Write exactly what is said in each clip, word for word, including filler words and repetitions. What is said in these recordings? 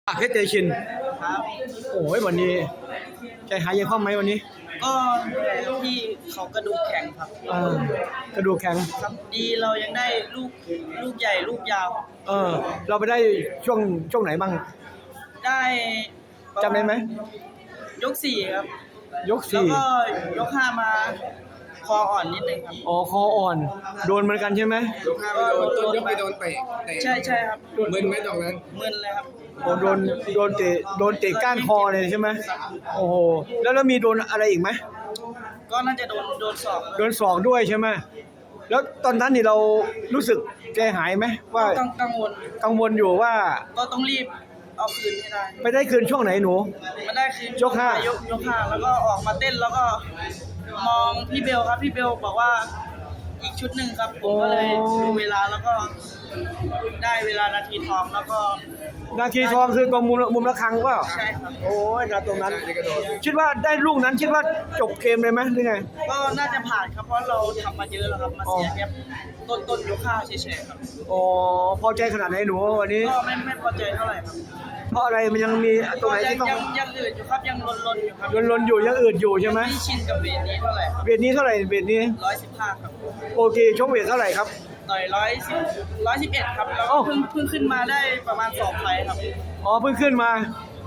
เพชรเตชินครับโอ้ยวันนี้ใจหายยังคล่องไหมวันนี้ก็ที่เขากระดูกแข็งครับเออกระดูกแข็งครับดีเรายังได้ลูกลูกใหญ่ลูกยาวเออเราไปได้ช่วงช่วงไหนบ้างได้จำได้ไหมยกสี่ครับยกสี่แล้วก็ยกห้ามาคออ่อนนิดนึงครับอ๋อคออ่อนโดนเหมือนกันใช่ไหมยกห้าไปโดนต้นยกไปโดนเตะใช่ใช่ครับมึนไหมตรงนั้นมึนเลยครับโอ้โดนโดนเตะโดนเตะก้านคอเลยใช่ไหมโอ้โหแล้วแล้วมีโดนอะไรอีกไหมก็น่าจะโดนโดนศอกโดนศอกด้วยใช่ไหมแล้วตอนนั้นนี่เรารู้สึกใจหายไหมว่ากังวลกังวลอยู่ว่าก็ต้องรีบเอาคืนให้ได้ไปได้คืนช่วงไหนหนูมาได้คืนยกห้ายกยกห้าแล้วก็ออกมาเต้นแล้วก็มองพี่เบลครับพี่เบลบอกว่าอีกชุดหนึ่งครับผมก็เลยดูเวลาแล้วก็ได้เวลานาทีทองแล้วก็นาทีทองคือตรงมุมมุมระฆังว่าใช่ครับโอ้ยนาตรงนั้นคิดว่าได้ลูกนั้นคิดว่าจบเกมเลยไหมหรือไงก็น่าจะผ่านครับเพราะเราทำมาเยอะแล้วครับมาเสียแค่ต้นต้นยกห้าเฉยๆครับอ๋อพอใจขนาดไหนหนูวันนี้ก็ไม่ไม่พอใจเท่าไหร่ครับเพราะอะไรมันยังมีตรงไหนที่ต้องยังยังอืดอยู่ครับยังลนลนอยู่ครับลนลนอยู่ยังอืดอยู่ใช่ไหมไม่ชินกับเวทนี้เท่าไหร่เวทนี้เท่าไหร่เวทนี้ร้อยสิบห้าครับโอเคชกเวทเท่าไหร่ครับต่อยร้อยสิบร้อยสิบเอ็ดครับแล้วเพิ่งเพิ่งขึ้นมาได้ประมาณสองไฟครับอ๋อเพิ่งขึ้นมา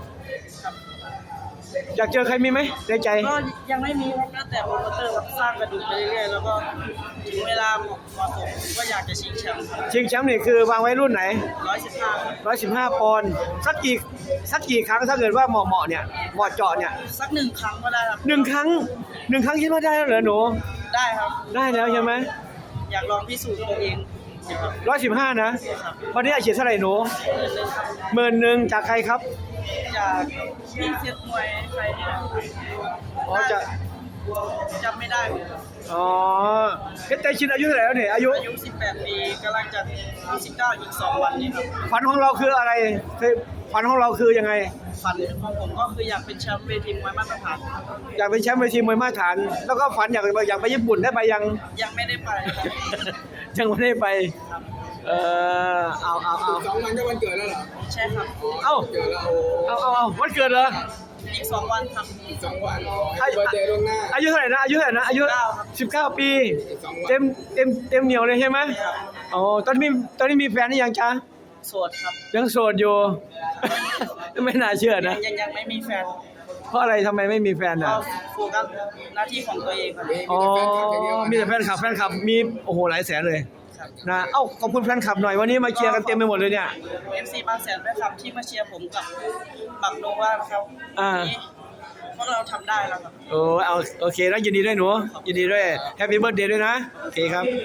อยากเจอใครมีไหมในใจก็ยังไม่มีครับแล้วแต่โปรโมเตอร์ครับสร้างกระดูกไปเรื่อยๆแล้วก็ถึงเวลาเหมาะสมก็อยากจะชิงแชมป์ชิงแชมป์นี่คือวางไว้รุ่นไหนร้อยสิบห้าร้อยสิบห้าปอนด์สักกี่สักกี่ครั้งถ้าเกิดว่าเหมาะเหมาะเนี่ยเหมาะเจาะเนี่ยสักหนึ่งครั้งก็ได้ครับหนึ่งครั้งหนึ่งครั้งคิดว่าได้แล้วเหรอหนูได้ครับได้แล้วใช่ไหมอยากลองพิสูจน์ตัวเองร้อยสิบห้านะวันนี้อาชีพเท่าไหร่หนูหมื่นหนึ่งจากใครครับจากพี่เชียร์มวยใครเนี่ยอ๋อจะจำไม่ได้อ๋อเพชรเตชินอายุเท่าไหร่แล้วเนี่ยอายุอายุสิบแปดปีกำลังจะสิบเก้าอีกสองวันนี้ครับฝันของเราคืออะไรฝันของเราคือยังไงฝันของผมก็คืออยากเป็นแชมป์เวทีมวยมาตรฐานอยากเป็นแชมป์เวทีมวยมาตรฐานแล้วก็ฝันอยากอยากไปญี่ปุ่นได้ไปยังยังไม่ได้ไปยังไม่ได้ไปเออเอาเอาเอาสองวันก็วันเกิดแล้วเหรอใช่ครับเอ้าเกิดแล้วเอาเอาเอาวันเกิดเหรออีกสองวันครับสองวันอายุเดย์ล่วงหน้าอายุเท่าไหร่นะอายุเท่าไหร่นะอายุสิบเก้าปีเต็มเต็มเต็มเหนียวเลยใช่ไหมอ๋อตอนนี้ตอนนี้มีแฟนหรือยังจ๊ะโสดครับยังโสดอยู่ไม่น่าเชื่อนะยังยังไม่มีแฟนเพราะอะไรทำไมไม่มีแฟนอ่ะโฟกัสหน้าที่ของตัวเองครับอ๋อมีแต่แฟนคลับแฟนคลับมีโอ้โหหลายแสนเลยนะเอ้าขอบคุณแฟนคลับหน่อยวันนี้มาเชียร์กันเต็มไปหมดเลยเนี่ยเอฟ ซี บางแสนแฟนคลับที่มาเชียร์ผมกับบักโนวาครับอ่าพวกเราทำได้แล้วครับโอ้เอาโอเคแล้วยินดีด้วยหนูยินดีด้วยแฮปปี้เบิร์ธเดย์ด้วยนะโอเคครับ